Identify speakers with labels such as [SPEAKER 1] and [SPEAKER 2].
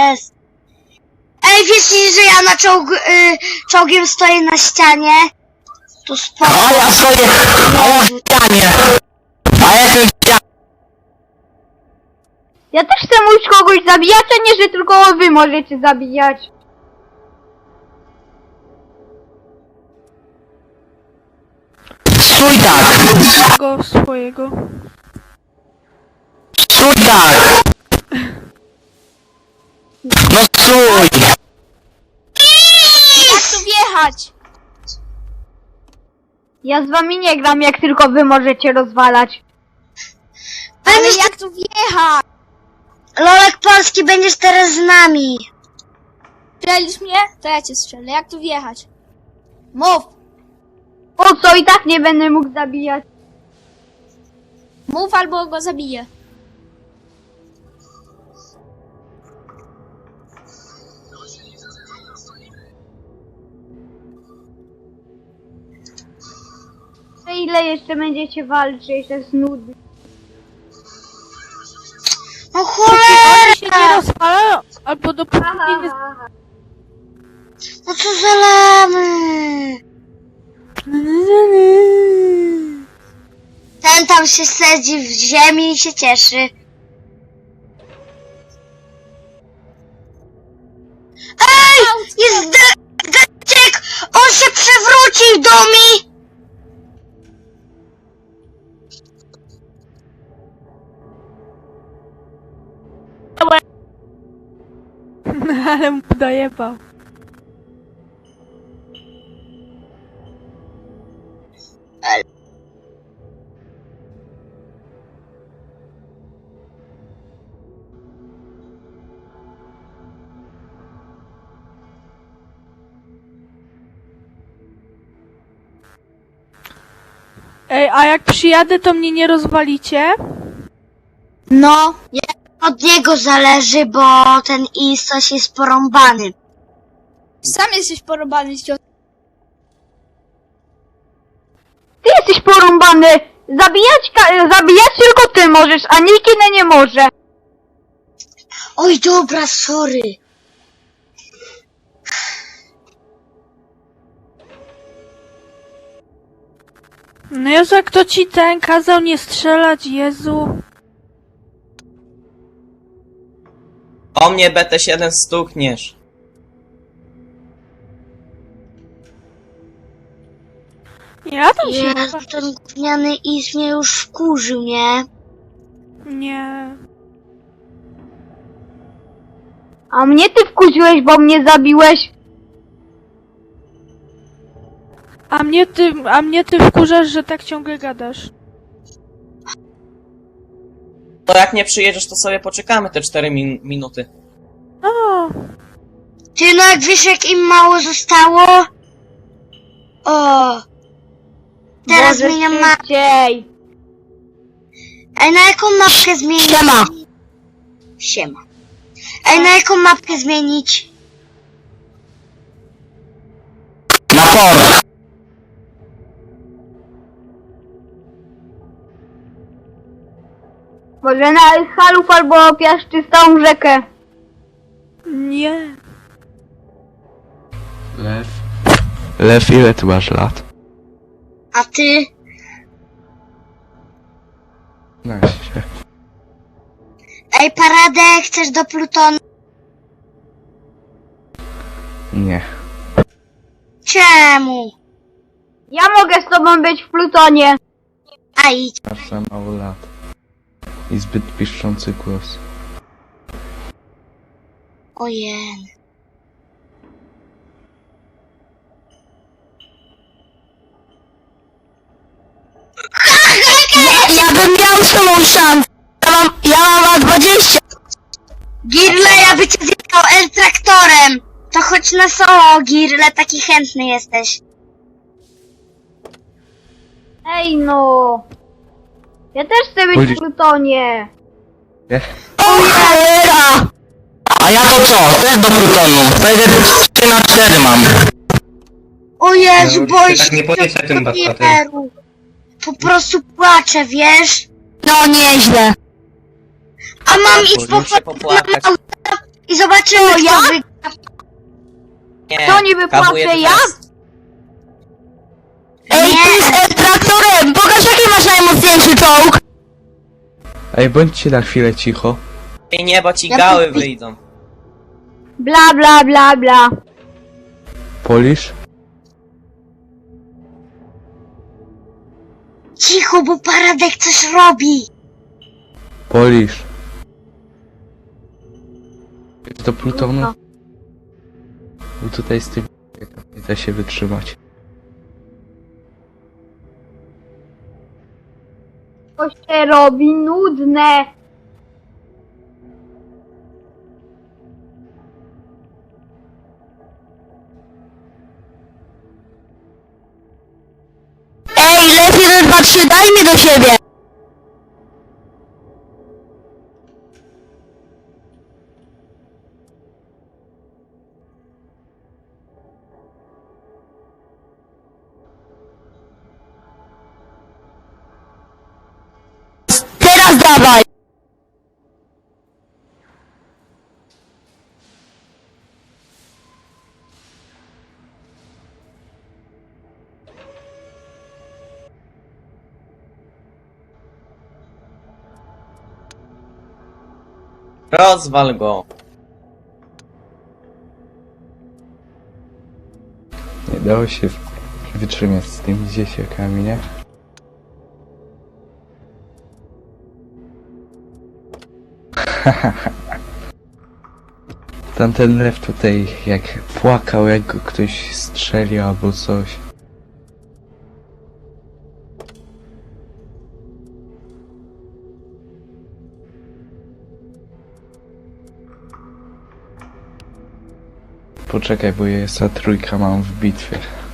[SPEAKER 1] jest. Ej, wiecie, że ja na czołgiem stoję na ścianie? To spoko.
[SPEAKER 2] A ja stoję na ścianie. A ja jestem w ścianie.
[SPEAKER 3] Ja też chcę móc kogoś zabijać, a nie, że tylko wy możecie zabijać.
[SPEAKER 2] Stój tak.
[SPEAKER 4] Go swojego.
[SPEAKER 2] Stój tak. No stój.
[SPEAKER 5] Jak tu wjechać?
[SPEAKER 3] Ja z wami nie gram, jak tylko wy możecie rozwalać.
[SPEAKER 5] Ale jak tu wjechać?
[SPEAKER 1] Lolek Polski, będziesz teraz z nami.
[SPEAKER 5] Strzelisz mnie? To ja cię strzelę. Jak tu wjechać? Mów!
[SPEAKER 3] Po co, i tak nie będę mógł zabijać.
[SPEAKER 5] Mów albo go zabiję.
[SPEAKER 3] Ile jeszcze będziecie walczyć, to jest nudne.
[SPEAKER 1] O
[SPEAKER 4] Oni
[SPEAKER 1] cholera!
[SPEAKER 4] się nie rozwalają, albo dopóki nie...
[SPEAKER 1] No co za lamy? Ten tam się sedzi w ziemi i się cieszy. Ej! Jest deczek! On się przewrócił do mi!
[SPEAKER 4] Ale mu dojebał. Ej, a jak przyjadę, to mnie nie rozwalicie?
[SPEAKER 1] No, od niego zależy, bo ten Isos jest porąbany.
[SPEAKER 5] Sam jesteś porobany z ciosem.
[SPEAKER 3] Ty jesteś porąbany! Zabijać tylko ty możesz, a nikt inny nie może.
[SPEAKER 1] Oj, dobra, sorry.
[SPEAKER 4] No Jezu, jak to ci ten kazał nie strzelać, Jezu.
[SPEAKER 6] O mnie BT7 stukniesz.
[SPEAKER 4] Ja tam się...
[SPEAKER 1] Jezu, ten gówniany Is mnie już wkurzył, nie?
[SPEAKER 4] Nie.
[SPEAKER 3] A mnie ty wkuziłeś, bo mnie zabiłeś.
[SPEAKER 4] A mnie ty wkurzasz, że tak ciągle gadasz.
[SPEAKER 6] To jak nie przyjedziesz, to sobie poczekamy te 4 minuty.
[SPEAKER 4] O,
[SPEAKER 1] Ty, no jak wiesz, jak im mało zostało? O! Teraz
[SPEAKER 3] Boże,
[SPEAKER 1] zmieniam mapkę.
[SPEAKER 3] szybciej.
[SPEAKER 1] Ej, na jaką mapkę zmienić?
[SPEAKER 2] Siema.
[SPEAKER 1] Siema. Ej, na jaką mapkę zmienić?
[SPEAKER 2] Na port.
[SPEAKER 3] Może na Halów albo Piaszczystą rzekę.
[SPEAKER 4] nie.
[SPEAKER 7] Lew, ile ty masz lat?
[SPEAKER 1] A ty?
[SPEAKER 7] 15.
[SPEAKER 1] Ej, Paradę, chcesz do Plutonu?
[SPEAKER 7] Nie.
[SPEAKER 1] Czemu?
[SPEAKER 3] Ja mogę z tobą być w Plutonie.
[SPEAKER 1] A idź.
[SPEAKER 7] Masz za mało lat. I zbyt piszczący głos.
[SPEAKER 1] Ojej.
[SPEAKER 2] Ja bym miał z tobą szansę. Ja mam lat 20.
[SPEAKER 1] Girle, ja by cię zjechał L-traktorem. To chodź na solo, Girle, taki chętny jesteś.
[SPEAKER 3] Ej no. Ja też chcę być
[SPEAKER 7] Chodzi-
[SPEAKER 3] w Plutonie.
[SPEAKER 7] Nie?
[SPEAKER 2] O cholera! A ja to co? Też do Plutonu. Wtedy 3/4 mam.
[SPEAKER 1] O Jezu,
[SPEAKER 8] No,
[SPEAKER 1] boję
[SPEAKER 8] tak
[SPEAKER 1] się
[SPEAKER 8] nie polecaj tym
[SPEAKER 1] tego
[SPEAKER 8] batpatem.
[SPEAKER 1] papieru. Po prostu płaczę, wiesz?
[SPEAKER 2] No nieźle.
[SPEAKER 1] A mam iść po
[SPEAKER 6] Muszę popłakać.
[SPEAKER 1] I zobaczymy, kto
[SPEAKER 3] ja?
[SPEAKER 1] wygra.
[SPEAKER 6] Nie,
[SPEAKER 3] Kto niby
[SPEAKER 6] kawuję
[SPEAKER 3] płacę,
[SPEAKER 6] to
[SPEAKER 3] ja?
[SPEAKER 6] teraz.
[SPEAKER 2] Ej,
[SPEAKER 1] Nie.
[SPEAKER 2] ty jest traktorem! Pokaż jaki masz najmocniejszy czołg!
[SPEAKER 7] Ej, bądźcie na chwilę cicho.
[SPEAKER 6] Ej, nie, bo ci
[SPEAKER 1] Ja
[SPEAKER 6] gały
[SPEAKER 1] tu-
[SPEAKER 6] wyjdą.
[SPEAKER 3] Bla bla bla bla.
[SPEAKER 7] Polisz?
[SPEAKER 1] Cicho, bo Paradek coś robi.
[SPEAKER 7] Polisz. Jest do Plutonu? Bo tutaj z tym nie da się wytrzymać.
[SPEAKER 3] To się robi nudne.
[SPEAKER 2] Ej, lepiej 1, 2, 3, daj mnie do siebie! Teraz dawaj!
[SPEAKER 6] Rozwal go.
[SPEAKER 7] Nie dało się wytrzymać z tymi dzieciakami, nie? Tamten lew tutaj jak płakał, jak go ktoś strzelił albo coś. Poczekaj, bo ja trójka mam w bitwie.